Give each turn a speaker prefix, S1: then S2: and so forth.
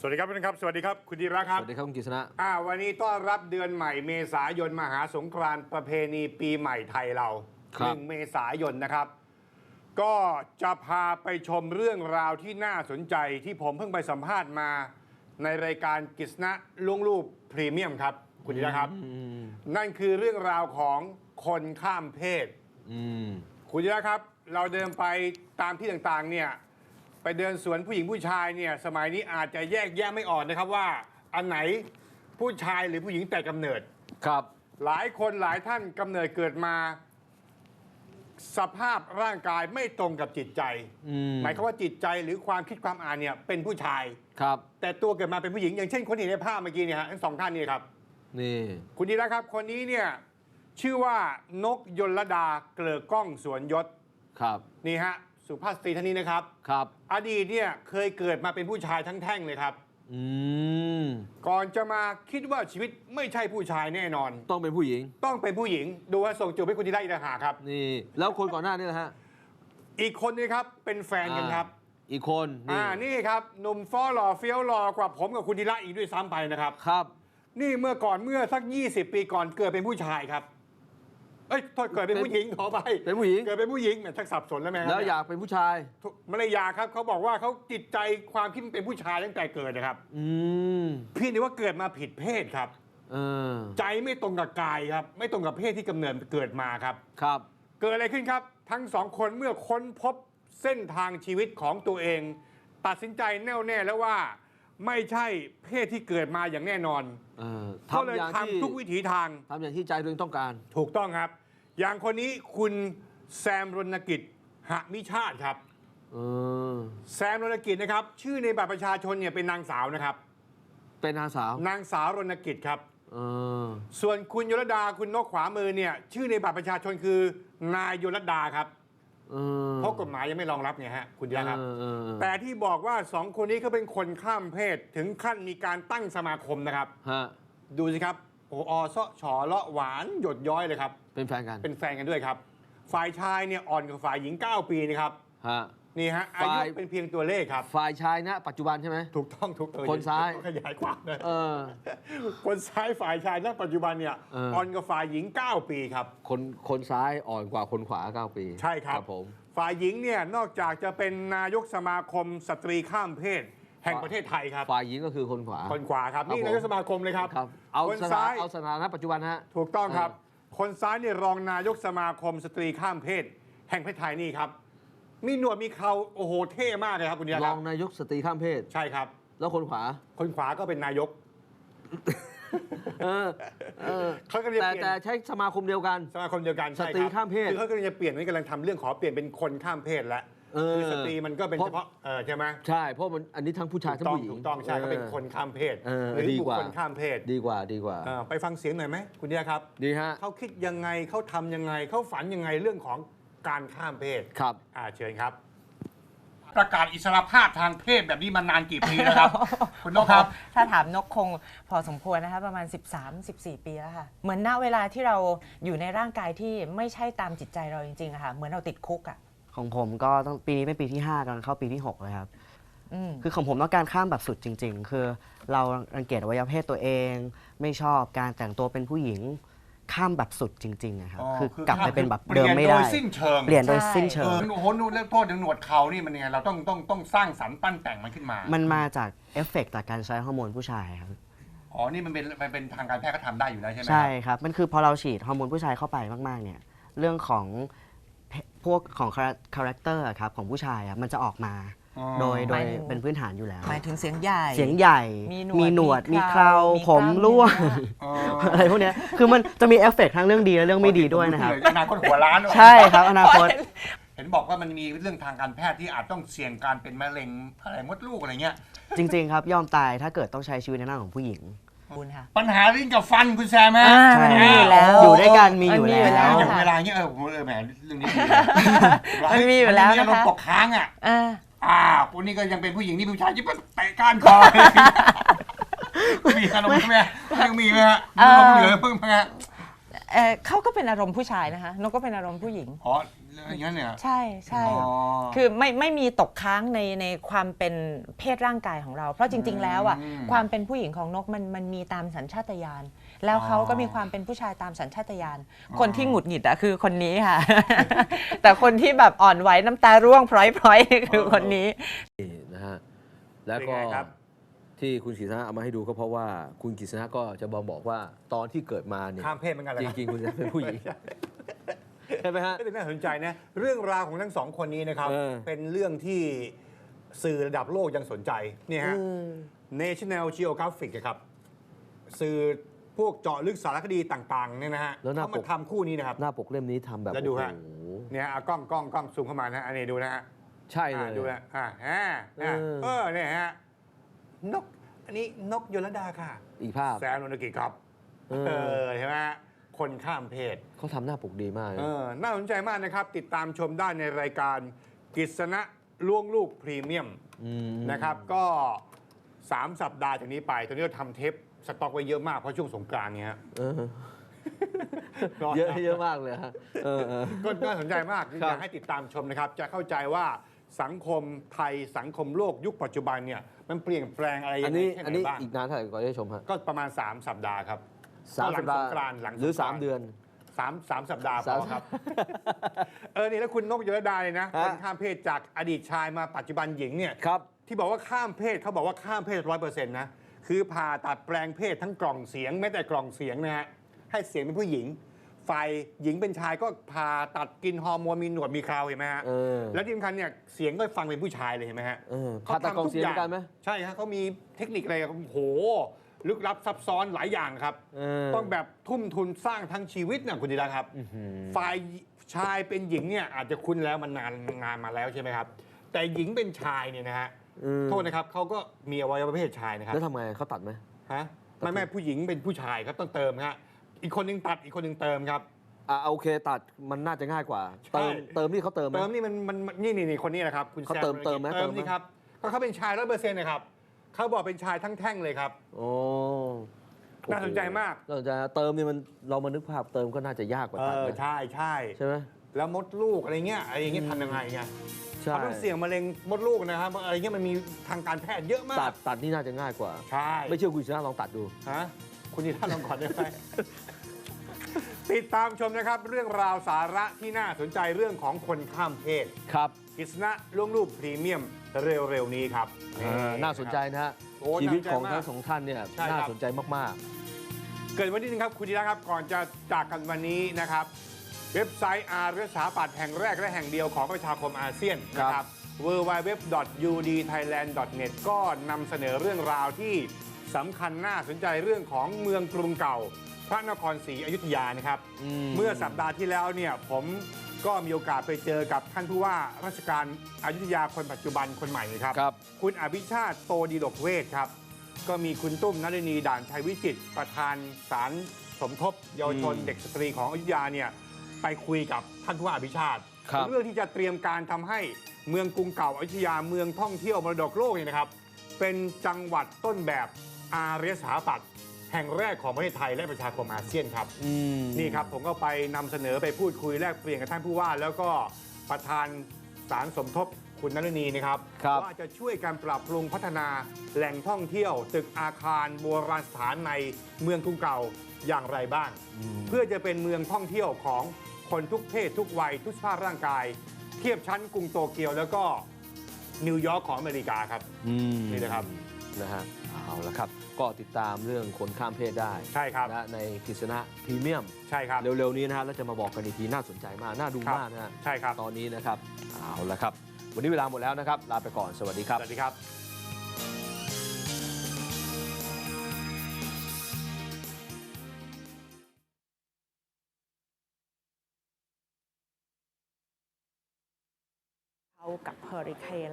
S1: วัสดีครับทุกท่านครับสวัสดีครับคุณธีระครับ
S2: สวัสดีครับคุณกฤษณะ
S1: วันนี้ต้อนรับเดือนใหม่เมษายนมหาสงกรานต์ประเพณีปีใหม่ไทยเรา1 เมษายนนะครับ ก็จะพาไปชมเรื่องราวที่น่าสนใจที่ผมเพิ่งไปสัมภาษณ์มาในรายการกฤษณะล้วงลูกพรีเมียมครับคุณธีระครับนั่นคือเรื่องราวของคนข้ามเพศคุณธีระครับเราเดินไปตามที่ต่างๆเนี่ยไปเดินสวนผู้หญิงผู้ชายเนี่ยสมัยนี้อาจจะแยกแยะไม่ออกนะครับว่าอันไหนผู้ชายหรือผู้หญิงแต่กำเนิด
S2: ครับ
S1: หลายคนหลายท่านกำเนิดเกิดมาสภาพร่างกายไม่ตรงกับจิตใจหมายความว่าจิตใจหรือความคิดความอ่านเนี่ยเป็นผู้ชาย
S2: ครับ
S1: แต่ตัวเกิดมาเป็นผู้หญิงอย่างเช่นคนที่เห็นในภาพเมื่อกี้เนี่ยฮะทั้งสองท่านนี่ครับ
S2: นี่
S1: คุณดีนะครับคนนี้เนี่ยชื่อว่านกยลดาเกลือก้องสวนยศ
S2: ครับ
S1: นี่ฮะสุภาพสตรีท่านนี้นะครับ
S2: ครับ
S1: อดีตเนี่ยเคยเกิดมาเป็นผู้ชายทั้งแท่งเลยครับก่อนจะมาคิดว่าชีวิตไม่ใช่ผู้ชายแน่นอน
S2: ต้องเป็นผู้หญิง
S1: ต้องเป็นผู้หญิงดูว่าส่งจูบให้คุณธีระอีกต่างหากครับ
S2: นี่แล้วคนก่อนหน้านี่นะฮะ
S1: อีกคนนี้ครับเป็นแฟนกันครับ
S2: อีกคน
S1: นี่ครับหนุ่มฟ้อหล่อเฟี้ยวหล่อกว่าผมกับคุณธีระอีกด้วยซ้ำไปนะครับ
S2: ครับ
S1: นี่เมื่อสัก20 ปีก่อนเกิดเป็นผู้ชายครับโทษเกิดเป็นผู้หญิงขอไป
S2: เป็นผู้หญิง
S1: เกิดเป็นผู้หญิงแหมทักสับสนแล้วแม่
S2: แล้วอยากเป็นผู้ชาย
S1: ไม่ได้อยากครับเขาบอกว่าเขาจิตใจความคิดเป็นผู้ชายตั้งแต่เกิดนะครับพี่นี่ว่าเกิดมาผิดเพศครับใจไม่ตรงกับกายครับไม่ตรงกับเพศที่กำเนิดเกิดมาครับ
S2: ครับ
S1: เกิดอะไรขึ้นครับทั้งสองคนเมื่อค้นพบเส้นทางชีวิตของตัวเองตัดสินใจแน่วแน่แล้วว่าไม่ใช่เพศที่เกิดมาอย่างแน่นอนก็เลยทำทุกวิถีทาง
S2: ทำอย่างที่ใจตัวเองต้องการ
S1: ถูกต้องครับอย่างคนนี้คุณแซมรณกิจหมิชาติครับแซมรณกิจนะครับชื่อในบัตรประชาชนเนี่ยเป็นนางสาวนะครับ
S2: เป็นนางสา
S1: วรณกิจครับส่วนคุณยลดาคุณนกขวามือเนี่ยชื่อในบัตรประชาชนคือนายยลดาครับเพราะกฎหมายยังไม่รองรับไงฮะคุณยาครับแต่ที่บอกว่าสองคนนี้เขาเป็นคนข้ามเพศถึงขั้นมีการตั้งสมาคมนะครับดูสิครับโอ้อซาะฉอเลาะหวานหยดย้อยเลยครับ
S2: เป็นแฟนกัน
S1: ด้วยครับฝ่ายชายเนี่ยอ่อนกว่าฝ่ายหญิง9 ปีนะครับนี่ฮะอายุเป็นเพียงตัวเลขครับ
S2: ฝ่ายชายนะปัจจุบันใช่ไหม
S1: ถูกต้อง
S2: คนซ้าย
S1: ขยายความเลยคนซ้ายฝ่ายชายณปัจจุบันเนี่ยอ่อนกว่าฝ่ายหญิง9 ปีครับ
S2: คนซ้ายอ่อนกว่าคนขวา9 ปี
S1: ใช่ครับ
S2: ผม
S1: ฝ่ายหญิงเนี่ยนอกจากจะเป็นนายกสมาคมสตรีข้ามเพศแห่งประเทศไทยครับ
S2: ฝ่ายหญิงก็คือคนขวา
S1: ครับนี่นายกสมาคมเลยครับ
S2: คนซ้ายเอาสถานะปัจจุบันฮะ
S1: ถูกต้องครับคนซ้ายเนี่ยรองนายกสมาคมสตรีข้ามเพศแห่งประเทศไทยนี่ครับมีหนวดมีเคราโอ้โหเท่มากเลยครับคุณเดีย
S2: รองนายกสตรีข้ามเพศ
S1: ใช่ครับ
S2: แล้วคนขวา
S1: ก็เป็นนายก
S2: เขาก็แต่ใช้สมาคมเดียวกันสตรีข้ามเพศ
S1: คือเขาก็จะเปลี่ยนนี่กำลังทำเรื่องขอเปลี่ยนเป็นคนข้ามเพศแล้วคือสตรีมันก็เป็นเฉพาะใช่ไหม
S2: ใช่เพราะมันอันนี้ทั้งผู้ชายทั้งผู้หญิง
S1: ถูกต้องใช่เขาเป็นคนข้ามเพศหรือบุคคลข้ามเพศ
S2: ดีกว่า
S1: ไปฟังเสียงหน่อยไหมคุณเดียครับ
S2: ดีฮะ
S1: เขาคิดยังไงเขาทำยังไงเขาฝันยังไงเรื่องของการข้ามเพศ
S2: ครับ
S1: เชิญครับประกาศอิสรภาพทางเพศแบบนี้มานานกี่ปีแล้วครับ คุณนกครับ
S3: ถ้าถามนกคงพอสมควรนะคะประมาณ 13-14 ปีแล้วค่ะเหมือนณเวลาที่เราอยู่ในร่างกายที่ไม่ใช่ตามจิตใจเราจริงๆอะค่ะเหมือนเราติดคุกอะ
S4: ของผมก็ต้องปีนี้เป็นปีที่5กำลังเข้าปีที่6เลยครับคือของผมต้องการข้ามแบบสุดจริงๆคือเรารังเกียจอวัยวะเพศตัวเองไม่ชอบการแต่งตัวเป็นผู้หญิงข้ามแบบสุดจริงๆนะครับคือกลับไปเป็นแบบเดิมไม่ได้เปลี่ยนโดยสิ้นเชิง
S1: โอ้โหนู่นเรื่องโทษถึงหนวดเขานี่มันยังไงเราต้องสร้างสรรค์ปั้นแต่งมันขึ้นมา
S4: มันมาจากเอฟเฟกต์จากการใช้ฮอร์โมนผู้ชายครับ
S1: นี่มันเป็นทางการแพทย์ก็ทำได้อยู่แล้วใช่ไหม
S4: ใช่ครับมันคือพอเราฉีดฮอร์โมนผู้ชายเข้าไปมากๆเนี่ยเรื่องของพวกของคาแรคเตอร์ครับของผู้ชายมันจะออกมาโดยเป็นพื้นฐานอยู่แล้ว
S3: หมายถึงเสียงใ
S4: หญ่มีหนวดมีเคราผมร่วงอะไรพวกนี้คือมันจะมีเอฟเฟกต์ทั้งเรื่องดีและเรื่องไม่ดีด้วยนะครับ
S1: อนาคตหัวล้าน
S4: ใช่ครับอนาคต
S1: เห็นบอกว่ามันมีเรื่องทางการแพทย์ที่อาจต้องเสี่ยงการเป็นมะเร็งอะไรมดลูกอะไรเงี้ย
S4: จริงๆครับยอมตายถ้าเกิดต้องใช้ชีวิตในหน้าของผู้หญิง
S1: ปัญหาลิ้นกับฟันคุณแซมไหม
S4: มีอยู่แล้วอยู่ด้วยกันมีอยู่แล้ว
S1: อย่างเวลาเงี้ยแหมเรื่องนี้
S3: มีอยู่แล้ว
S1: นะคะมันตกค้างคนนี้ก็ยังเป็นผู้หญิงนี่ผู้ชายที่มันเตะก้านคอมีอารมณ์ไหมยังมีไหมฮะเหลือเพิ่งมา
S3: เขาก็เป็นอารมณ์ผู้ชายนะคะนกก็เป็นอารมณ์ผู้หญิง
S1: อย่างนั้นเนี่ย
S3: ใช่ใช่
S1: อ๋อ
S3: คือไม่มีตกค้างในความเป็นเพศร่างกายของเรา เพราะจริง ๆ แล้วอ่ะความเป็นผู้หญิงของนกมันมีตามสัญชาตญาณแล้วเขาก็มีความเป็นผู้ชายตามสัญชาตญาณคนที่หงุดหงิดอะคือคนนี้ค่ะ แต่คนที่แบบอ่อนไหวน้ำตาร่วงพร้อยๆคือคนนี้
S2: นี่นะฮะแล้วก็
S1: เป็นไงครับ
S2: ที่คุณกฤษณะเอามาให้ดูก็เพราะว่าคุณกฤษณะก็จะบอกว่าตอนที่เกิดมาเนี่ย
S1: ข้ามเพศเหมือนกันเลย
S2: จริงๆคุณจะเป็นผู้หญิงใช่ไหมฮะ
S1: ก็เป็นน่าสนใจนะเรื่องราวของทั้งสองคนนี้นะครับ เป็นเรื่องที่สื่อระดับโลกยังสนใจเนี่ยฮะ National Geographic อะครับสื่อพวกเจาะลึกสารคดีต่างๆเนี่ยนะฮะ
S2: แล้วหน้า
S1: เขา
S2: ป
S1: มาก ทำคู่นี้นะครับ
S2: หน้าปกเล่มนี้ทำแบบ
S1: แล้วดูฮะ
S2: โอ้โห
S1: เนี่ยเอากล้องซูมเข้ามานะอันนี้ดูนะฮะ
S2: ใช่เลย
S1: ดูนะเนี่ยฮะนกอันนี้นกยลดาค่ะ
S2: อีกภาพ
S1: แซมโนนกิครับ ใช่ไหมฮะคนข้ามเพศ
S2: เขาทำหน้าปกดีมากเลย
S1: น่าสนใจมากนะครับ ติดตามชมได้ในรายการกฤษณะล่วงลูกพรีเมียมนะครับ ก็ 3 สัปดาห์จากนี้ไป ตอนนี้เราทำเทปสต็อกไว้เยอะมากเพราะช่วงสงกรานต์เนี่ยฮะ
S2: เยอะมากเลยฮะ
S1: ก็น่าสนใจมากอยากให้ติดตามชมนะครับ จะเข้าใจว่าสังคมไทยสังคมโลกยุคปัจจุบันเนี่ยมันเปลี่ยนแปลงอะไรยังไงแค่ไหนบ้าง
S2: อีกนานเท่าไหร่ก่อนจะชมฮะ
S1: ก็ประมาณ 3 สัปดาห์ครับ
S2: 3 สัปดาห์
S1: หลังสงกรานต์
S2: หรือ 3 เดือน
S1: 3 สัปดาห์พอครับ นี่แล้วคุณนกยลดาเลยนะ
S2: ฮะ
S1: คนข้ามเพศจากอดีตชายมาปัจจุบันหญิงเนี่ย
S2: ครับ
S1: ที่บอกว่าข้ามเพศเขาบอกว่าข้ามเพศ100%นะคือผ่าตัดแปลงเพศทั้งกล่องเสียงแม้แต่กล่องเสียงนะฮะให้เสียงเป็นผู้หญิงฝ่ายหญิงเป็นชายก็ผ่าตัดกินฮอร์โมนมีหนวดมีเคราเห็นไหมฮะ แล้วที่สำคัญเนี่ยเสียงก็ฟังเป็นผู้ชายเลยเห็นไหมฮะ
S2: ผ่าตัดกล่องเสียงเหมือนกันไหม
S1: ใช่ฮะเขามีเทคนิคอะไรโอ้โหลึกลับซับซ้อนหลายอย่างครับ ต้องแบบทุ่มทุนสร้างทั้งชีวิตนะคุณดีนะครับ ฝ่ายชายเป็นหญิงเนี่ยอาจจะคุ้นแล้วมันนานงานมาแล้วใช่ไหมครับ แต่หญิงเป็นชายเนี่ยนะฮะโทษนะครับเขาก็มีอวัยวะเพศชายนะครับ
S2: แล้วทำไงเขาตัดไหม
S1: ฮะไม่ผู้หญิงเป็นผู้ชายครับต้องเติมฮะอีกคนหนึงตัดอีกคนหนึงเติมครับ
S2: โอเคตัดมันน่าจะง่ายกว่า
S1: ใช่
S2: เติมนี่เขาเติมไหม
S1: เติมนี่มันนี่คนนี้นะครับคุณ
S2: เขา
S1: แซ
S2: เติมไหม
S1: เติมนี่ครับก็เขาเป็นชาย100%นะครับเขาบอกเป็นชายทั้งแท่งเลยครับ
S2: โอ้
S1: น่าสนใจมาก
S2: น่าสนใจเติมนี่มันเรามานึกภาพเติมก็น่าจะยากกว่าตัดไหม
S1: ใช่
S2: ใช่ไหม
S1: แล้วมดลูกอะไรเงี้ยทำยังไงไง
S2: ใช่
S1: เขาต้องเสี่ยงมะเร็งมดลูกนะครับอะไรเงี้ยมันมีทางการแพทย์เยอะมาก
S2: ตัดนี่น่าจะง่ายกว่า
S1: ใช่
S2: ไม่เชื่อคุณชนะลองตัดดู
S1: ฮะคุณนี่ท่านลองก่อนได้ไหม ติดตามชมนะครับ เรื่องราวสาระที่น่าสนใจเรื่องของคนข้ามเพศ
S2: ครับ
S1: กฤษณะล่วงลูกพรีเมียมเร็วๆนี้ครับ
S2: น่าสนใจนะฮะ
S1: โอ้
S2: ชีวิตของ
S1: น่าสนใจมาก
S2: ทั้งสองท่านเนี่ย
S1: ใช่ครับ
S2: น่าสนใจมาก
S1: เกิดวันนี้นึงครับ คุณธีระครับ ก่อนจะจากกันวันนี้นะครับ เว็บไซต์อาร์สถาปัตย์แห่งแรกและแห่งเดียวของประชาคมอาเซียนนะครับ www.udthailand.net ก็นำเสนอเรื่องราวที่สำคัญน่าสนใจเรื่องของเมืองกรุงเก่า พระนครศรีอยุธยานะครับ เมื่อสัปดาห์ที่แล้วเนี่ยผมก็มีโอกาสไปเจอกับท่านผู้ว่าราชการอยุธยาคนปัจจุบันคนใหม่นะครับ
S2: ครับ
S1: คุณอภิชาติโตดีหลกเวทครับ ก็มีคุณตุ้มนฤณีด่านชัยวิจิตรประธานศาลสมทบเยาวชนเด็กสตรีของอยุธยาเนี่ยไปคุยกับท่านผู้ว่าอภิชาติ
S2: ครับ
S1: เรื่องที่จะเตรียมการทำให้เมืองกรุงเก่าอยุธยาเมืองท่องเที่ยวมรดกโลกเนี่ยนะครับ เป็นจังหวัดต้นแบบอารยสถาปัตย์แห่งแรกของประเทศไทยและประชาคมอาเซียนครับ นี่ครับผมก็ไปนำเสนอไปพูดคุยแลกเปลี่ยนกับท่านผู้ว่า แล้วก็ประธานศาลสมทบคุณนฤณีนะครับ
S2: ครับ
S1: ว่าจะช่วยการปรับปรุงพัฒนาแหล่งท่องเที่ยว ตึกอาคารโบราณสถานในเมืองกรุงเก่าอย่างไรบ้าง เพื่อจะเป็นเมืองท่องเที่ยวของคนทุกเพศทุกวัยทุกสภาพร่างกาย เทียบชั้นกรุงโตเกียวแล้วก็นิวยอร์กของอเมริกาครับ นี่นะครับ
S2: นะฮะเอาละครับ ก็ติดตามเรื่องคนข้ามเพศได้
S1: ใช่ครับ
S2: นะในกฤษณะพรีเมียม
S1: ใช่ครับ
S2: เร็วๆนี้นะฮะแล้วจะมาบอกกันอีกทีน่าสนใจมาก น่าดู
S1: ครับ
S2: มากนะฮะ
S1: ใช่ครับ
S2: ตอนนี้นะครับเอาละครับ วันนี้เวลาหมดแล้วนะครับ ลาไปก่อนสวัสดีครับ
S1: สวัสดีครับ
S3: เขากับเฮอริเคน